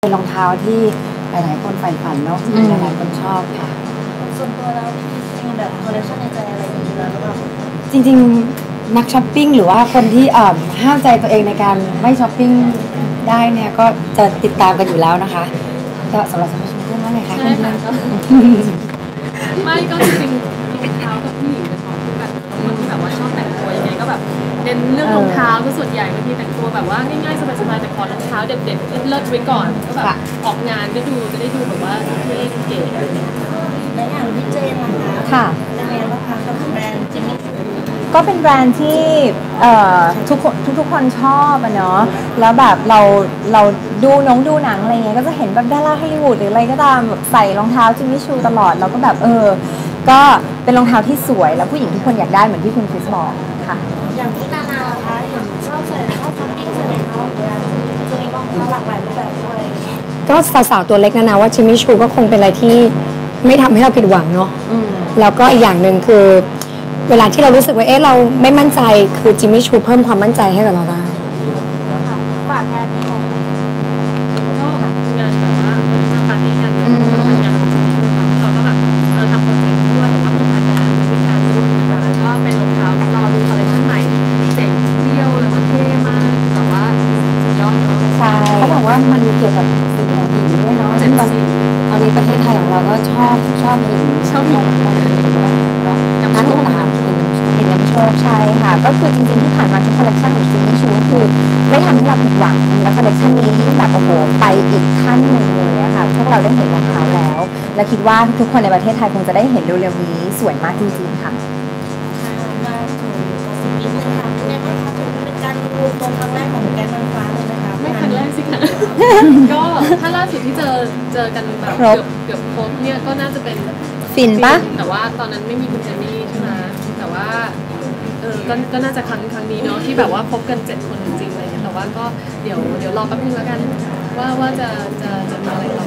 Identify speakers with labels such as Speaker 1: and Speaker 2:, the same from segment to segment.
Speaker 1: เป็นรองเท้าที่หลายๆคนใฝ่ฝันเนาะหลายๆคนชอบค่ะ
Speaker 2: ส่วนตัวแล้วมีแบบคอลเลคชันในใจอะไรอย่างนี้แล้วหรือเปล่า
Speaker 1: จริงๆนักช้อปปิ้งหรือว่าคนที่ห้ามใจตัวเองในการไม่ช้อปปิ้งได้เนี่ยก็จะติดตามกันอยู่แล้วนะคะก็สำหรับสมาชิกเพื่อนว่าไงคะเพื่อน
Speaker 3: ไม่ก็จริงๆรองเท้ากับผู้หญิงเป็นของที่แบบคนที่แบบว่าชอบแต่งตัวยังไงก็แบบเน้นเรื่องรองเท้าก็ส่วนใหญ่บางทีแต่งตัวแบบว่าง่ายๆสบายๆแต่ขอรองเท้าเด็ดๆเลิศๆไว้ก่อนก็แบบออกงานก็ดูจะได้ดูแบบว่าเท่เก๋
Speaker 2: และอย่างพี่เจนนะคะ
Speaker 4: ค่ะ
Speaker 2: เป็นไงบ้างคะกับแบรนด์จิมมี่
Speaker 4: ก็เป็นแบรนด์ที่ทุกคนชอบอะเนาะแล้วแบบเราดูหนังอะไรเงี้ยก็จะเห็นแบบดาราฮอลลีวูดหรืออะไรก็ตามแบบใส่รองเท้าจิมมี่ชูตลอดเราก็แบบก็เป็นรองเท้าที่สวยแล้วผู้หญิงทุกคนอยากได้เหมือนที่คุณคริสบอกค่ะ
Speaker 2: อย่างที่นานาคะเห็นชอบใส่ชอบช้อปปิ้งใส่รองเท้าเหมือนกันจะมีรองเท้าหลากหลายรูปแบบด้วย
Speaker 1: ก็สาวๆตัวเล็กนะว่าจิมมี่ชูก็คงเป็นอะไรที่ไม่ทำให้เราผิดหวังเนาะแล้วก็อีกอย่างหนึ่งคือเวลาที่เรารู้สึกว่าเราไม่มั่นใจคือจิมมี่ชูเพิ่มความมั่นใจให้กับเราได้
Speaker 2: ฝากงานนี้ของ
Speaker 3: ก็งานแบบว่าทำปาร์ตี้กันงานของจิมมี่เราก็แบบทำโปรเจกต์ด้วยหรือว่าเป็นงานวิชาด้วยนะคะก็เป็นรองเท้ารอดูคอลเลคชั่นใหม่เจ๋งเที่ยวแล้วก็เท่มากแบบว่าสุดยอดเนาะ
Speaker 1: ใช่เขาบอกว่ามันเกี่ยวกับสิ่งของหญิงด้วยเนาะตอนนี้ประเทศไทยของเราก็ชอบหญิงกับร้านต่างๆ
Speaker 4: เป็นน้ำโชคใช่ค่ะก็คือจริงๆที่ผ่านมาทุกคอลเลคชันของจิมมี่ชูคือไม่ทำให้เราผิดหวังแล้วคอลเลคชันนี้ยิ่งแบบโอ้โหไปอีกขั้นหนึ่งเลยอะค่ะพวกเราได้เห็นรองเท้าแล้วและคิดว่าทุกคนในประเทศไทยคงจะได้เห็นเร็วๆนี้สวยมากจริงๆค่ะ
Speaker 2: มาถึงสิ่งนี้เลยค่ะเป็นไงบ้างคะถือเป็นการรวมตัวครั้งแรกของแก๊งนางฟ้าเลยนะคะ
Speaker 3: ไม่ครั้งแรกสิคะก็ถ้าล่าสุดที่เจอกันแบบเกือบครบเนี่ยก็น่าจะเป็น
Speaker 4: ฟินปะ
Speaker 3: แต่ว่าตอนนั้นไม่มีคุณเจนนี่ใช่ไหมแต่ว่าก็น่าจะครั้งนี้เนาะที่แบบว่าพบกัน7 คนจริงๆเลยแต่ว่าก็เดี๋ยวรอแป๊บนึงแล้วกันว่าจะมีอะไรต่อ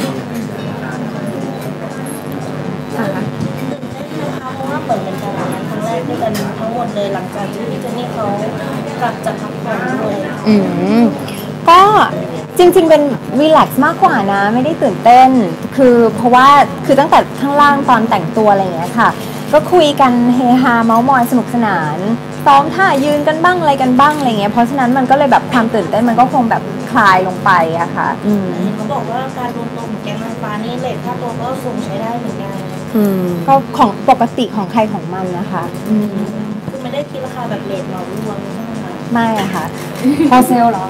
Speaker 2: ตื่นเต้นไหมคะเพราะว่าเปิดเป็นการทำงานครั้งแรกด้วยกันทั้งหมดเลยหลังจากที่พี่เจนนี่เขากลับจากพักผ่อนด้วย
Speaker 4: ก็จริงๆเป็นรีแลกซ์มากกว่านะไม่ได้ตื่นเต้นเพราะว่าตั้งแต่ข้างล่างตอนแต่งตัวอะไรอย่างเงี้ยค่ะก็คุยกันเฮฮาเมาท์มอยสนุกสนานซ้อมท่ายืนกันบ้างอะไรกันบ้างอะไรเงี้ยเพราะฉะนั้นมันก็เลยแบบความตื่นเต้นมันก็คงแบบคลายลงไปอะค่ะ
Speaker 2: เขาบอกว่าการรวมตัวของแก๊งนางฟ้านี่เลทค่าตัวก็สูงใช้ได้เหมือนกัน
Speaker 4: ก็ของปกติของใครของมันนะคะ
Speaker 2: คือไม่ได้คิดราคาแบบเลทเหมารวมใช่ไหมคะ
Speaker 4: ไม่อะค่ะ
Speaker 1: พอเซลหรอ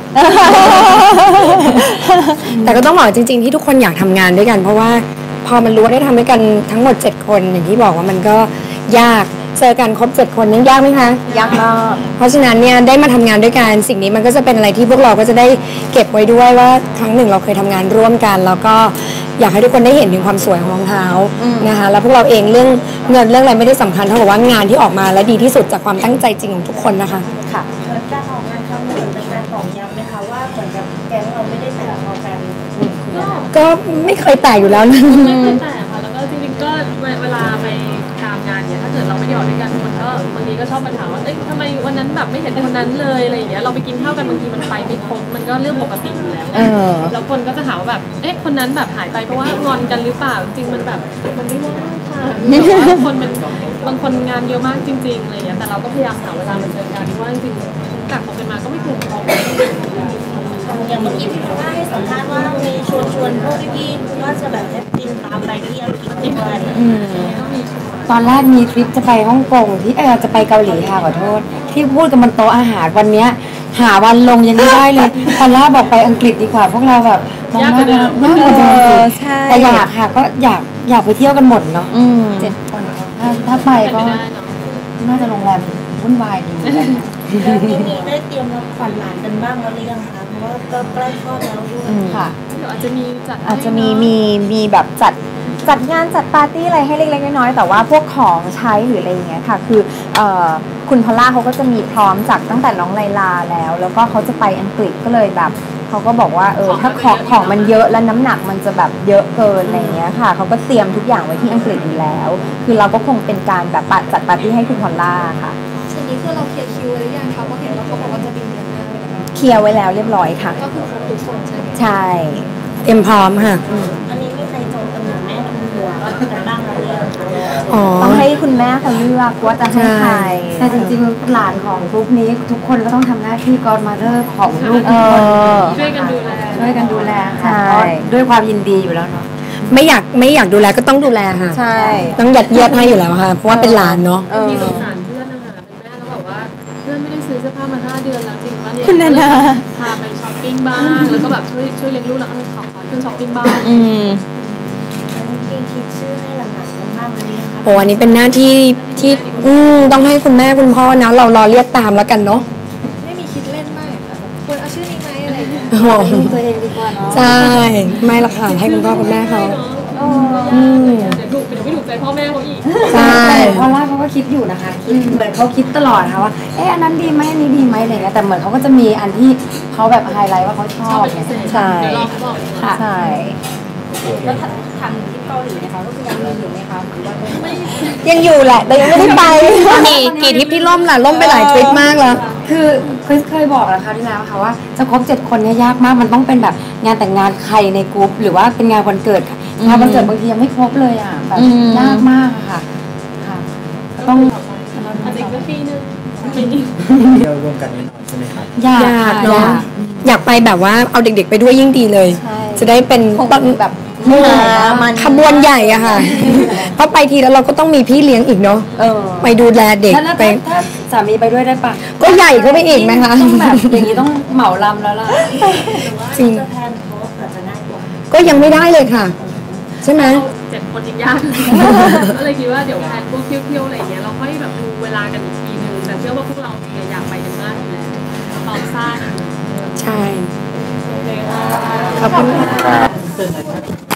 Speaker 1: แต่ก็ต้องบอกจริงๆที่ทุกคนอยากทำงานด้วยกันเพราะว่าพอมันรู้ว่าได้ทำด้วยกันทั้งหมด7 คนอย่างที่บอกว่ามันก็ยากเจอกันครบ7 คนนี่ยากไหมคะ
Speaker 4: ยากมาก
Speaker 1: เพราะฉะนั้นเนี่ยได้มาทำงานด้วยกันสิ่งนี้มันก็จะเป็นอะไรที่พวกเราก็จะได้เก็บไว้ด้วยว่าครั้งหนึ่งเราเคยทำงานร่วมกันแล้วก็อยากให้ทุกคนได้เห็นถึงความสวยของรองเท้านะคะแล้วพวกเราเองเรื่องเงินเรื่องอะไรไม่ได้สำคัญเท่ากับว่างานที่ออกมาและดีที่สุดจากความตั้งใจจริงของทุกคนนะคะ
Speaker 4: ค่ะ
Speaker 2: การออกงานครั้งนี้เป็นการตอกย้ำไหมคะว่าเหมือนกับแก๊งเราไม่ได้แต่พอกัน
Speaker 1: ก็ไม่เคยแตกอยู่แล้วนะ
Speaker 3: ไม่เคยแตกค่ะแล้วก็จริงๆก็เวลาไปตามงานเนี่ยถ้าเกิดเราไม่ได้ออกด้วยกันคนก็บางทีก็ชอบมาถามว่าเอ้ยทำไมวันนั้นแบบไม่เห็นคนนั้นเลยอะไรอย่างเงี้ยเราไปกินข้าวกันบางทีมันไปไม่ครบมันก็เรื่องปกติอยู่แล้วแล้วคนก็จะถามว่าแบบเอ๊ะคนนั้นแบบหายไปเพราะว่างอนกันหรือเปล่าจริงมันแบบมันไม่ได้ค่ะบางคนงานเยอะมากจริงๆอะไรอย่างเงี้ยแต่เราก็พยายามหาเวลามาเจอกันว่าจริงๆจากคบกันมาก็ไม่เคยทะเลาะกัน
Speaker 2: อย่างเมื่อกี้พี่พาให้สัมภาษณ์ว่ามีชวนพวกพี่ๆว่าจะแบบให้บินตามไปที่อังกฤษด้วย
Speaker 1: ตอนแรกมีทริปจะไปฮ่องกงที่จะไปเกาหลีค่ะขอโทษที่พูดกันบนโต๊ะอาหารวันนี้หาวันลงยังไม่ได้เลยตอนแรกบอกไปอังกฤษดีกว่าพวกเราแบบ
Speaker 3: ยากกว่าเดิม
Speaker 1: แต่อยากค่ะก็อยากไปเที่ยวกันหมดเนาะ7 คนถ้าไปก็น่าจะโรงแรมวุ่นวายดี
Speaker 2: แล้วมีได้เตรียมรับขวัญหลานกันบ้างแล้วหรือยังคะเพราะว่าก็ใกล้คลอดแล้วด้วย
Speaker 4: ค่ะ
Speaker 3: เดี๋ยวอาจจะมี
Speaker 4: แบบจัดงานจัดปาร์ตี้อะไรให้เล็กๆน้อยๆแต่ว่าพวกของใช้หรืออะไรอย่างเงี้ยค่ะคือคุณพอลล่าเขาก็จะมีพร้อมจากตั้งแต่น้องไลลาแล้วก็เขาจะไปอังกฤษก็เลยแบบเขาก็บอกว่าถ้าของมันเยอะแล้วน้ำหนักมันจะแบบเยอะเกินอะไรเงี้ยค่ะเขาก็เตรียมทุกอย่างไว้ที่อังกฤษอยู่แล้วคือเราก็คงเป็นการแบบจัดปาร์ตี้ให้คุณพอลล่าค่ะ
Speaker 5: ทีนี้คือเราเคลียร์คิวหรือยังคะเพราะเห็นว่าเขาบอกว่าจะบินเดือนหน้า
Speaker 4: เคลียร์ไว้แล้วเรียบร้อยค่ะ
Speaker 5: ก็คือครบทุกคนใช่ไหม
Speaker 4: ใช่
Speaker 1: เตรียมพร้อมค่ะ
Speaker 2: อันนี้มีใครจองตำแหน่งแม่ทุนหัวกันบ้างหรือยังคะ
Speaker 1: อ๋อ
Speaker 4: ต้องให้คุณแม่เขาเลือกว่าจะให้ใคร
Speaker 6: แต่จริงๆหลานของกรุ๊ปนี้ทุกคนก็ต้องทำหน้าที่ godmother ของลูก
Speaker 4: เอ
Speaker 6: ทุกคน
Speaker 4: อ
Speaker 3: ช่วยกันดูแล
Speaker 6: ช่วยกันดูแล
Speaker 4: ใช่
Speaker 6: ค่ะเพราะด้วยความยินดีอยู่แล้วเนาะ
Speaker 1: ไม่อยากดูแลก็ต้องดูแลค่ะ
Speaker 4: ใช่
Speaker 1: ต้องยัดเยียดให้อยู่แล้วค่ะ เพราะว่าเป็นหลานเนาะ
Speaker 3: มีสงสารเพื่อนนะคะเป็นแม่แล้วแบบว่าเพื่อนไม่ได้ซื้อเสื้อผ้ามา5 เดือนแล้วจริงว่าเนี่ย
Speaker 4: คุณนานา
Speaker 3: พาไปช้อปปิ้งบ้างแล้วก็แบบช่วยเลี้ยงลูกแล้วขอเครื่องช้อปปิ้งบ้าง
Speaker 4: อืม
Speaker 2: อันนี้พี่คิดชื่อให้หลานๆกันบ้างหรือยังคะ
Speaker 1: โอ้อันนี้เป็นหน้าที่ที่ต้องให้คุณแม่คุณพ่อนะเรารอเรียกตามแล้วกันเนาะ
Speaker 5: ไม่มีคิดเล่นบ้างเหรอคะแบบควรเอาชื่อนี้ไหมอะไรอย่างเงี้ย
Speaker 1: โอ้โห
Speaker 6: ตัวเองดีกว่าเนาะ
Speaker 1: ใช่ไม่ละค่ะให้คุณพ่อคุณแม่เขา
Speaker 3: เดี๋ยวไม่ถูกใจพ่อแม่เขาอีก
Speaker 1: ใช่
Speaker 6: แต่พอลล่าเขาก็คิดอยู่นะคะคิดเหมือนเขาคิดตลอดค่ะว่าอันนั้นดีไหมอันนี้ดีไหมอะไรเงี้ยแต่เหมือนเขาก็จะมีอันที่เขาแบบไฮไลท์ว่าเขาชอบเนี่ย
Speaker 4: ใช่
Speaker 3: เดี๋ยวรอเขาบอก
Speaker 6: ค่ะ
Speaker 4: ใช่
Speaker 5: แล้วทำที่เกาหลีนะคะก็คือยังมีอยู่ไหมคะหรือว่าไม่
Speaker 4: ยังอยู่แหละ แต่ยังไม่ได้ไป
Speaker 1: กี่ทริปที่ล่มล่ะล่มไปหลายทริปมากแล้ว
Speaker 6: คือเคยบอกแล้วคราวที่แล้วค่ะว่าจะครบ7 คนเนี่ยยากมากมันต้องเป็นแบบงานแต่งงานใครในกรุ๊ปหรือว่าเป็นงานวันเกิดค่ะงานวันเกิดบางทียังไม่ครบเลยอ่ะแบบ
Speaker 4: อืม
Speaker 6: ยากมากอะค่ะค่ะต้อง
Speaker 3: อาจจะอีกสักปีนึงปีนี้
Speaker 7: เที่ยวร่วมกันแน่นอนใช่ไหมครับ
Speaker 6: ยาก
Speaker 1: อยาก
Speaker 6: ค่ะ
Speaker 1: เนาะอยากไปแบบว่าเอาเด็กๆไปด้วยยิ่งดีเลย
Speaker 4: ใช่
Speaker 1: จะได้เป็น
Speaker 4: คง
Speaker 1: ต้น
Speaker 4: แบบ
Speaker 1: มันขบวนใหญ่อะค่ะ เพราะไปทีแล้วเราก็ต้องมีพี่เลี้ยงอีกเนาะ
Speaker 4: เออ
Speaker 1: ไปดูแลเด็ก
Speaker 6: แล้ว
Speaker 1: ไป
Speaker 6: ถ้าสามีไปด้วยได้ปะ
Speaker 1: ก็ใหญ่เข้าไปอีกไหมคะ
Speaker 6: ต้องแบบอย่างนี้ต้องเหมาลำแล้วล่ะ
Speaker 1: จริง
Speaker 2: จะแพนโพสอาจจะง่ายกว่า
Speaker 1: ก็ยังไม่ได้เลยค่ะ ใช่ไหม
Speaker 3: 7 คนอีกยาก ก็เลยคิดว่าเดี๋ยวแพลนพวกเที่ยวๆอะไรอย่างเงี้ยเราค่อยแบบดูเวลากันอีกทีนึงแต่เชื่อว่าพวกเราอยากไปกันมากอยู่แล้วพร้อมสร้าง
Speaker 1: ใช่ ขอบคุณค่ะ